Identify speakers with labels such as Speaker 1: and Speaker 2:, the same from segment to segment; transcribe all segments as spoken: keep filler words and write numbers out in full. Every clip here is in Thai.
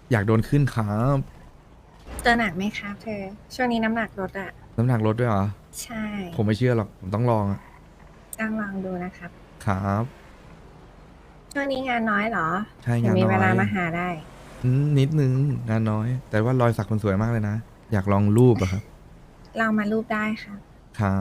Speaker 1: อยากโดนขึ้นครับ
Speaker 2: ตัวหนักไหมครับเธอ ช่วงนี้น้ำหนักลดอะ
Speaker 1: น้ำหนักลดด้วยเหรอ
Speaker 2: ใช่
Speaker 1: ผมไม่เชื่อหรอก ผมต้องลองอะ
Speaker 2: ต้องลองดูนะครับ
Speaker 1: ครับ
Speaker 2: ช่วงนี้งานน้อยเหรอ
Speaker 1: ใช่
Speaker 2: ถึ
Speaker 1: งาน
Speaker 2: มี
Speaker 1: น้อ
Speaker 2: เวย ลามาหาได้
Speaker 1: อืมนิดนึงงานน้อย แต่ว่ารอยสักมันสวยมากเลยนะ อยากลองรูปอะครับ
Speaker 2: ลองมารูปได้ครับ
Speaker 1: ครับ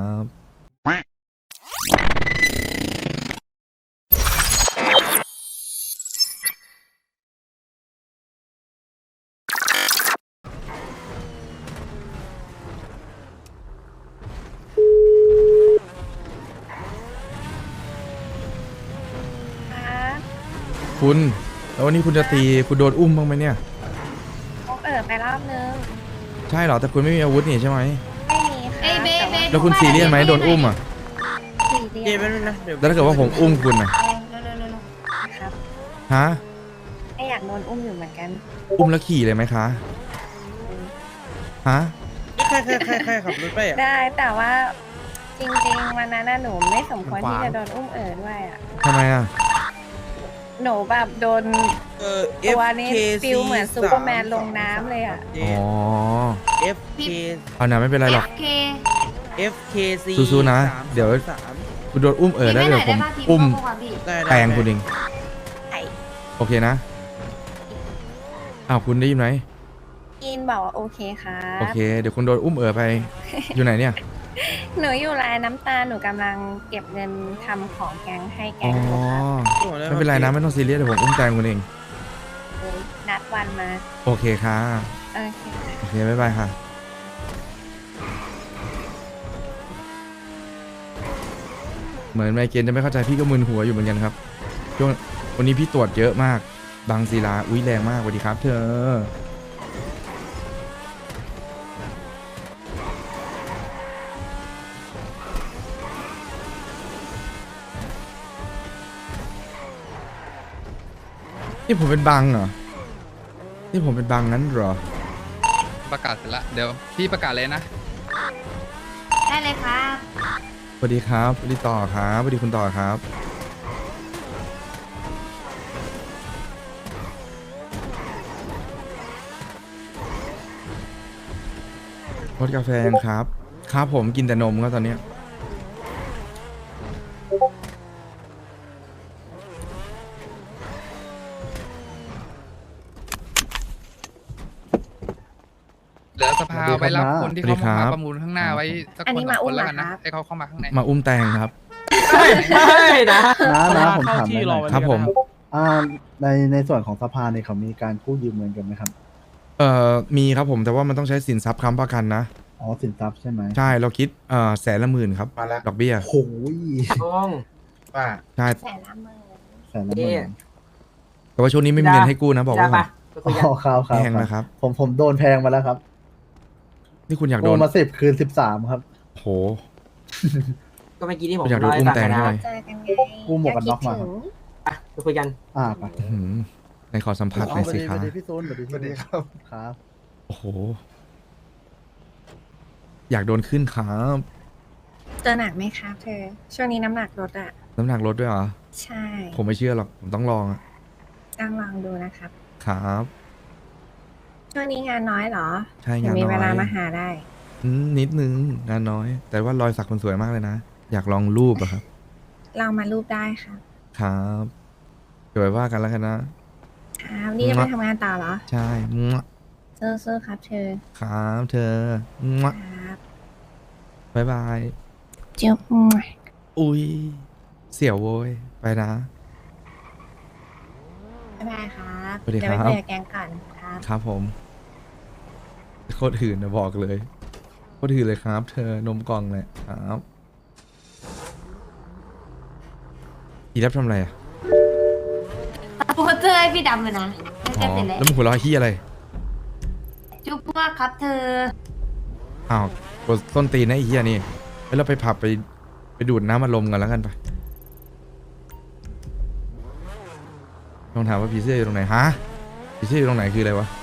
Speaker 2: ครับ
Speaker 1: คุณ แล้ววันนี้คุณจะตี คุณโดนอุ้มบ้างไหมเนี่ย
Speaker 2: พกเอ๋อไปรอบนึง
Speaker 1: ใช่เหรอ แต่คุณไม่มีอาวุธนี่ใช่ไหม
Speaker 2: ไม่มีครับ
Speaker 3: เอ้ยเบสเบส
Speaker 1: แล้วคุณซีเรียสไหมโดนอุ้มอะ
Speaker 2: สี่
Speaker 4: เดี๋
Speaker 2: เดื
Speaker 4: ยว
Speaker 2: อน
Speaker 4: แป๊บนึงนะเดี๋ยว
Speaker 1: แล้วถ้าเกิดว่าผมอุ้มคุณนะ
Speaker 2: ครับ
Speaker 1: ฮะ
Speaker 2: ไม่อยากโดนอุ้มอยู่เหมือนกัน
Speaker 1: อุ้มแล้วขี่เลยไหมคะ ฮะ
Speaker 4: ใครใครใครใครขับรถไปอ่ะ
Speaker 2: ได้แต่ว่าจริงๆวันนั้นน่ะหนูไม่สมควรที่จะโดนอุ้มเอ๋อด้วยอะ
Speaker 1: ทำไมอะ
Speaker 2: หนูแบบโดน
Speaker 4: เออ
Speaker 2: ตัวนี้
Speaker 4: เอฟ
Speaker 2: ฟิลเหมือนซูเปอร์แมนลงน้ำเลยอะ
Speaker 1: อ๋อ
Speaker 4: เอฟเค
Speaker 1: เอานะไม่เป็นไรหรอก
Speaker 3: โอเค
Speaker 4: เอฟเคซี
Speaker 1: สู้ๆนะเดี๋ยว
Speaker 4: สาม
Speaker 1: คุณโดนอุ้มเออแล้ว
Speaker 3: พี่
Speaker 1: เดี๋ยวผม
Speaker 3: ไไหนได้บ้างพี่
Speaker 1: อุ้ม
Speaker 3: พ่ก่อนพี่
Speaker 4: ได้ได้
Speaker 1: แปลงคุณเอง
Speaker 2: ไอ้
Speaker 1: โอเคนะ อ้าวคุณได้ยินไหม
Speaker 2: อินบอกว่าโอเคครั
Speaker 1: โอบ เค เดี๋ยวคุณโดนอุ้มเออไป อยู่ไหนเนี่ย
Speaker 2: หนูอยู่ร้านน้ำตาลหนูกำลังเก็บเงินทำของแกงให้แก
Speaker 1: อ๋อ
Speaker 2: งอยู่ครับ
Speaker 1: ไม่เป็นไรนะไม่ต้องซีเรียสเดี๋ยวผมอุ้มแตงคุณเอง
Speaker 2: เลยนัดวันมา
Speaker 1: โอเคค่ะ
Speaker 2: โอเค
Speaker 1: โอเคบ๊ายบายค่ะ เหมือนไมเกรนจะไม่เข้าใจพี่ก็มึนหัวอยู่เหมือนกันครับช่วงวันนี้พี่ตรวจเยอะมาก บางศิลา อุ้ยแรงมากสวัสดีครับ เธอ นี่ผมเป็นบังเหรอ นี่ผมเป็นบังงั้นเหรอ
Speaker 5: ประกาศเสร็จละเดี๋ยวพี่ประกาศเลยนะ
Speaker 3: ได้เลยครับ
Speaker 1: สวัสดีครับสวัสดีต่อครับสวัสดีคุณต่อครับ รสกาแฟยังครับ ครับผมกินแต่นมก็ตอนเนี้ย
Speaker 5: เหลือสภาไว้รับคนที่
Speaker 1: สวัสดี
Speaker 5: เขา
Speaker 1: ครับ
Speaker 5: มาประมูลข้างหน้าไว้สัก
Speaker 2: อัน
Speaker 5: คน
Speaker 2: นี้
Speaker 5: ส
Speaker 2: มา
Speaker 5: องค
Speaker 2: อุ้ม
Speaker 5: น
Speaker 2: เห
Speaker 5: แล้ว
Speaker 2: ร
Speaker 5: กัน
Speaker 2: อ
Speaker 5: นะครับ ให้เขาเข้ามาข้างใน
Speaker 1: มาอุ้มแตงครับ
Speaker 6: ไม่ไม่นะ
Speaker 7: นะนะผมถามได้หน่อย
Speaker 1: ครับผม
Speaker 7: อ่าในในส่วนของสภาเนี่ยเขามีการกู้ยืมเงินกันไหมครับ
Speaker 1: เอ่อมีครับผมแต่ว่ามันต้องใช้สินทรัพย์ค้ำประกันนะ
Speaker 7: อ๋อสินทรัพย์ใช่ไหม
Speaker 1: ใช่เราคิดเอ่อแสนละหมื่นครับ
Speaker 6: มาแล้ว
Speaker 1: ดอกเบี้ย
Speaker 7: โอ้ย
Speaker 6: ต้องว่า
Speaker 1: ใช่
Speaker 2: แสนละหมื่น
Speaker 7: แสนละหมื่น
Speaker 1: แต่ว่าช่วงนี้ไม่มีเงินให้กู้นะบอกไว้ก่อน
Speaker 7: อ๋อครับครับ
Speaker 1: แพงนะครับ
Speaker 7: ผมผมโดนแพงมาแล้วครับ
Speaker 1: นี่คุณอยากโด
Speaker 7: โด
Speaker 1: น
Speaker 7: นมาสิบคืนสิบสามครับ
Speaker 1: โห
Speaker 6: ก็เมื่อกี้ที่ผม
Speaker 1: อยากโดนอุ้มแตงใช่ไหม
Speaker 2: เจอกันไง
Speaker 7: กู้หมวกกันน็อกมา
Speaker 2: คิดถึง
Speaker 6: อ่ะไปคุยกัน
Speaker 7: อ่าไป
Speaker 1: อื้อหือในขอสัมผัสหน่อยสิครับ
Speaker 7: สวัสดีพี่ซูนสวัสดี
Speaker 6: สวัสดีครับ
Speaker 7: ครับ
Speaker 1: โอ้โห อยากโดนขึ้นครับ
Speaker 2: ตัวหนักไหมครับเธอ ช่วงนี้น้ำหนักลดอะ
Speaker 1: น้ำหนักลดด้วยเหรอ
Speaker 2: ใช่
Speaker 1: ผมไม่เชื่อหรอก ผมต้องลองอะ
Speaker 2: ต้องลองดูนะครับ
Speaker 1: ครับ
Speaker 2: ช่วงนี้งานน้อยเหรอ
Speaker 1: ใช่
Speaker 2: ถึ
Speaker 1: งาน
Speaker 2: มี
Speaker 1: น้
Speaker 2: เวลา
Speaker 1: อย
Speaker 2: มาหาได้
Speaker 1: อืมนิดนึงงานน้อย แต่ว่ารอยสักมันสวยมากเลยนะ อยากลองรูปอะครับ
Speaker 2: ลองมารูปได้ครับ
Speaker 1: ครับเดี๋ยวไว้ว่ากันแล้วกันนะ
Speaker 2: ครับนี่จะไปทำงานต่อเหรอ
Speaker 1: ใช่มั่ว
Speaker 2: สู้ๆครับเธอ
Speaker 1: ครับเธอมั่ว
Speaker 2: ครับ
Speaker 1: บายบาย
Speaker 2: จุ๊บ
Speaker 1: อุ้ย เสี่ยวโว้ย ไปนะ
Speaker 2: บ๊ายบายครับ
Speaker 1: สวัสดี
Speaker 2: เดี๋ยว
Speaker 1: ค
Speaker 2: ไป
Speaker 1: รับ
Speaker 2: คุยกับแกงก่อนครับ
Speaker 1: ครับผม โคตรหื่นนะบอกเลย โคตรหื่นเลยครับ เธอนมกล่องเลยครับอีรับทำอะไรอ่ะ
Speaker 3: โปสเตอร์ให้พี่ดำเลยนะ
Speaker 1: อ๋
Speaker 3: จะ
Speaker 1: อ
Speaker 3: เสร็จแล้ว
Speaker 1: แล้วมึงหัวเราะขี้อะไร
Speaker 3: จุ๊บมากครับเธอ
Speaker 1: อ้าวกดต้นตีนนะไอ้เหี้ยนี่แล้วเราไปผับไปไปดูดน้ำอารมณ์กันแล้วกันไปลองถามว่าผีเสื้ออยู่ตรงไหนฮะผีเสื้ออยู่ตรงไหนคืออะไรวะ